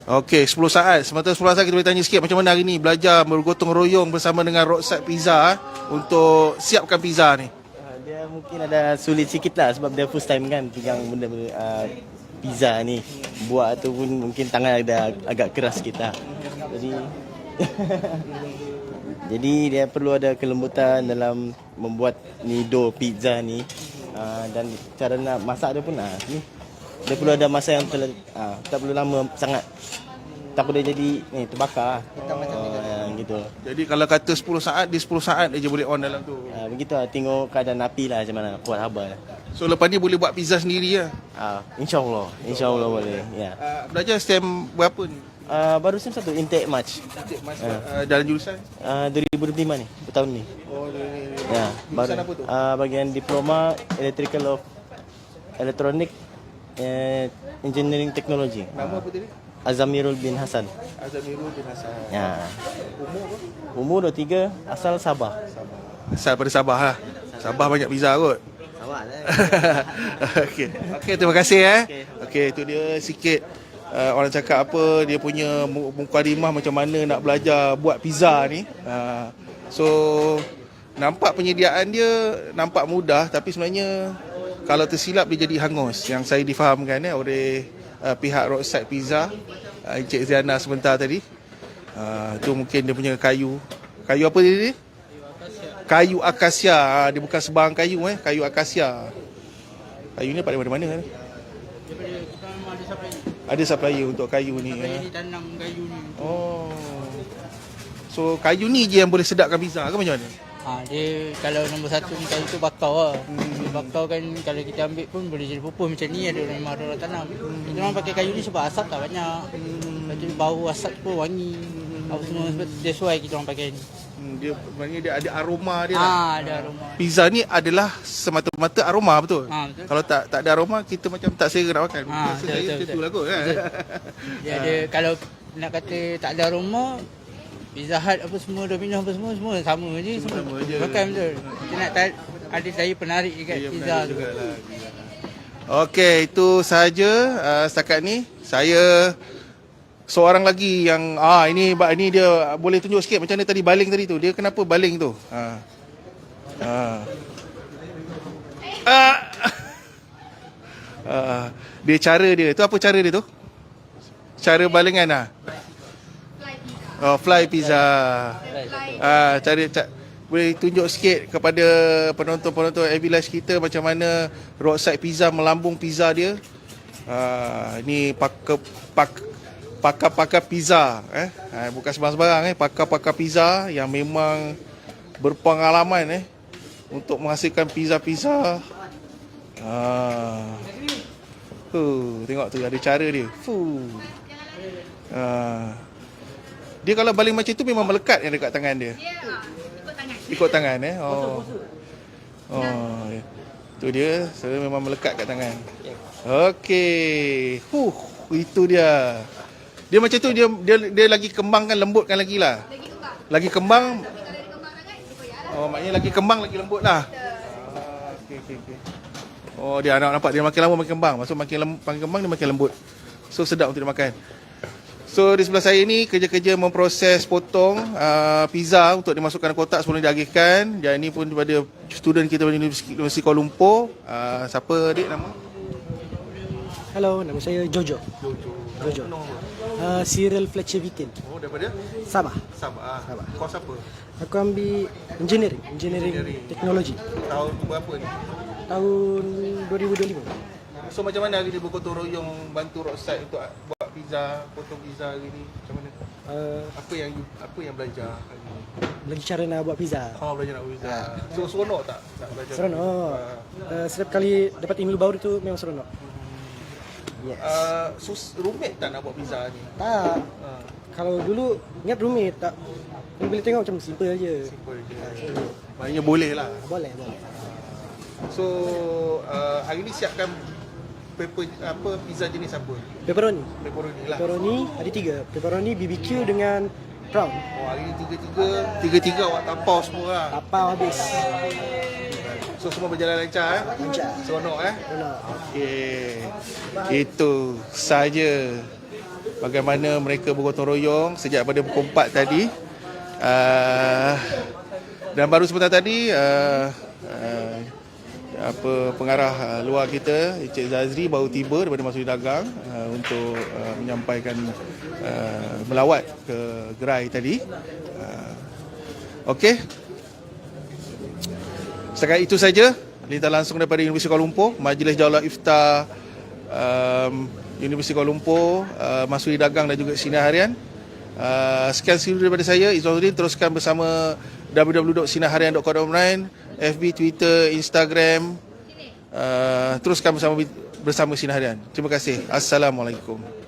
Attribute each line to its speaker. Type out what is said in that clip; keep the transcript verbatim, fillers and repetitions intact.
Speaker 1: Okey, sepuluh saat. Sementara sepuluh saat kita boleh tanya sikit macam mana hari ni belajar bergotong royong bersama dengan Roadside Pizza eh, untuk siapkan pizza ni.
Speaker 2: Uh, dia mungkin ada sulit sikit lah sebab dia first time kan pegang benda-benda uh, pizza ni. Buat ataupun mungkin tangan ada agak keras sikit lah. Jadi jadi dia perlu ada kelembutan dalam membuat ni dough pizza ni. Uh, dan cara nak masak dia pun ah ni. Dia perlu ada masa yang terlalu, uh, tak perlu lama sangat. Takut dia jadi ni terbakar. Oh, uh, gitu.
Speaker 1: Jadi kalau kata sepuluh saat, dia sepuluh saat aja boleh on dalam tu.
Speaker 2: Uh, begitu lah, tengok keadaan api lah macam mana, kuat habar.
Speaker 1: So lepas ni boleh buat pizza sendiri lah.
Speaker 2: Uh, InsyaAllah, insyaAllah boleh. Ya.
Speaker 1: Uh, belajar STEM berapa ni?
Speaker 2: Uh, baru sem satu, intake March.
Speaker 1: Intake March uh. Uh, dalam jurusan?
Speaker 2: Uh, dua ribu dua puluh lima ni, tahun ni.
Speaker 1: Oh, ni.
Speaker 2: Ya,
Speaker 1: jurusan
Speaker 2: baru,
Speaker 1: apa tu?
Speaker 2: Uh, bagian diploma Electrical of Electronic uh, Engineering Technology.
Speaker 1: Nama apa tadi?
Speaker 2: Azamirul bin Hasan.
Speaker 1: Azamirul bin Hasan.
Speaker 2: Ya.
Speaker 1: Umur apa?
Speaker 2: Umur dua puluh tiga, asal Sabah.
Speaker 1: Sabah. Asal pada Sabah lah. Sabah banyak pizza kot.
Speaker 2: Sabah lah.
Speaker 1: Okey. Okey, terima kasih eh.
Speaker 2: Okey.
Speaker 1: Okey, itu dia sikit uh, orang cakap apa dia punya mukadimah macam mana nak belajar buat pizza ni. Uh, so nampak penyediaan dia nampak mudah tapi sebenarnya kalau tersilap dia jadi hangus yang saya difahamkan eh oleh uh, pihak Roadside Pizza, uh, Encik Ziana sebentar tadi. Uh, tu mungkin dia punya kayu. Kayu apa dia ni? Kayu akasia. Ha, dia bukan sebarang kayu eh, kayu akasia. Kayu ni dapat dari mana-mana kan?
Speaker 3: Daripada kita memang ada supplier.
Speaker 1: Ada supplier untuk kayu ni.
Speaker 3: Supplier
Speaker 1: Eh.
Speaker 3: ni tanam kayu ni.
Speaker 1: Oh. So kayu ni je yang boleh sedapkan pizza ke macam mana?
Speaker 3: Ha, dia kalau nombor satu ni kayu tu bakau lah. Hmm. Bakau kan kalau kita ambil pun boleh jadi pupus macam ni ada memang ada orang tanam. Hmm. Kita orang pakai kayu ni sebab asap tak banyak. Hmm. Lepas tu bau asap pun wangi. Hmm. Apa semua sebab that's why kita orang pakai ni.
Speaker 1: Hmm, dia maknanya dia ada aroma dia
Speaker 3: Ah,
Speaker 1: lah.
Speaker 3: ha, ada aroma.
Speaker 1: Pizza ni adalah semata-mata aroma betul?
Speaker 3: Ha, betul.
Speaker 1: Kalau tak tak ada aroma kita macam tak selera nak makan.
Speaker 3: Ha,
Speaker 1: Rasa
Speaker 3: betul,
Speaker 1: saya
Speaker 3: betul,
Speaker 1: macam
Speaker 3: betul.
Speaker 1: tu lah kot kan.
Speaker 3: Dia ada kalau nak kata tak ada aroma Pizza Hut apa semua, Domino's apa semua, semua sama je.
Speaker 1: Semua
Speaker 3: Semua
Speaker 1: sama je.
Speaker 3: makan betul. Kita nak tar- ada daya penarik dekat
Speaker 1: Ya,
Speaker 3: pizza
Speaker 1: benar
Speaker 3: tu.
Speaker 1: jugalah. Okey, itu sahaja uh, setakat ni. Saya seorang lagi yang ah ini ini dia boleh tunjuk sikit macam mana tadi baling tadi tu. Dia kenapa baling tu? Ha. Ha. Ah. Ah. Dia cara dia. Tu apa cara dia tu? Cara balingan ah. Oh, fly pizza. Ah, cara ca- boleh tunjuk sikit kepada penonton-penonton A V Live kita macam mana Roadside Pizza melambung pizza dia. Ah, ini pakar pak, pakar-pakar pizza eh. Ah, bukan sembarang-sembarang eh, pakar-pakar pizza yang memang berpengalaman eh untuk menghasilkan pizza-pizza. Ah. Uh, tengok tu ada cara dia. Fuh. Ah. Dia kalau baling macam tu memang melekat yang dekat tangan dia.
Speaker 4: Dia ikut tangan.
Speaker 1: Ikut tangan eh. Oh. Oh. Tu dia, so memang melekat kat tangan. Okey. Huh, itu dia. Dia macam tu dia dia dia lagi kembangkan lembutkan lagi lah.
Speaker 4: Lagi kembang.
Speaker 1: Lagi kembang.
Speaker 4: Tapi kalau dia kembang sangat, dia koyak lah.
Speaker 1: Oh, maknanya lagi kembang lagi lembut lah. Ah, okey okey okey. Oh, dia nak nampak dia makin lama makin kembang. Maksud makin lem, makin kembang dia makin lembut. So sedap untuk dimakan. So di sebelah saya ni kerja-kerja memproses potong uh, pizza untuk dimasukkan kotak sebelum diagihkan. Dan ini pun daripada student kita dari Universiti Kuala Lumpur. Uh, siapa adik nama?
Speaker 5: Hello, nama saya Jojo.
Speaker 1: Jojo.
Speaker 5: Jojo. Uh, Cyril Fletcher Vitin.
Speaker 1: Oh, daripada
Speaker 5: Sabah.
Speaker 1: Sabah.
Speaker 5: Sabah.
Speaker 1: Kos apa?
Speaker 5: Aku ambil engineering, engineering,
Speaker 1: Engineering.
Speaker 5: teknologi.
Speaker 1: Tahun berapa ni?
Speaker 5: Tahun dua ribu dua puluh lima.
Speaker 1: So macam mana hari ni bergotong royong bantu Roadside untuk buat pizza, potong pizza hari ni? Macam mana?
Speaker 5: Uh,
Speaker 1: Apa yang apa yang belajar hari ni?
Speaker 5: belajar cara nak buat pizza.
Speaker 1: Oh, belajar nak buat pizza. So seronok tak nak belajar?
Speaker 5: Seronok.
Speaker 1: Ah.
Speaker 5: Uh, setiap kali dapat ilmu baru tu memang seronok. Yes.
Speaker 1: Uh, sus, rumit tak nak buat pizza ni?
Speaker 5: Tak.
Speaker 1: Uh,
Speaker 5: Kalau dulu ingat rumit tak. Kau boleh tengok macam simple je.
Speaker 1: simple je. Maknanya boleh lah.
Speaker 5: Boleh, boleh.
Speaker 1: So uh, hari ni siapkan pepper, apa pizza jenis apa?
Speaker 5: Pepperoni.
Speaker 1: Pepperoni lah.
Speaker 5: Pepperoni ada tiga. Pepperoni B B Q dengan prawn.
Speaker 1: Oh, hari ni tiga-tiga, tiga-tiga awak tapau semua lah.
Speaker 5: Tapau habis.
Speaker 1: So semua berjalan lancar eh?
Speaker 5: Lancar.
Speaker 1: Seronok eh?
Speaker 5: Seronok.
Speaker 1: Okey. Itu saja bagaimana mereka bergotong royong sejak pada pukul empat tadi. Uh, dan baru sebentar tadi uh, uh, apa pengarah uh, luar kita Encik Zazri baru tiba daripada Masjid Dagang uh, untuk uh, menyampaikan uh, melawat ke gerai tadi. Uh, Okey. Setakat itu saja lintas langsung daripada Universiti Kuala Lumpur, Majlis Daulat Iftar um, Universiti Kuala Lumpur, uh, Masjid Dagang dan juga Sinar Harian. Uh, sekian seluruh daripada saya, Izzuddin. Teruskan bersama w w w dot sinar harian dot com dot my, F B, Twitter, Instagram. Uh, teruskan bersama bersama Sinar Harian. Terima kasih. Assalamualaikum.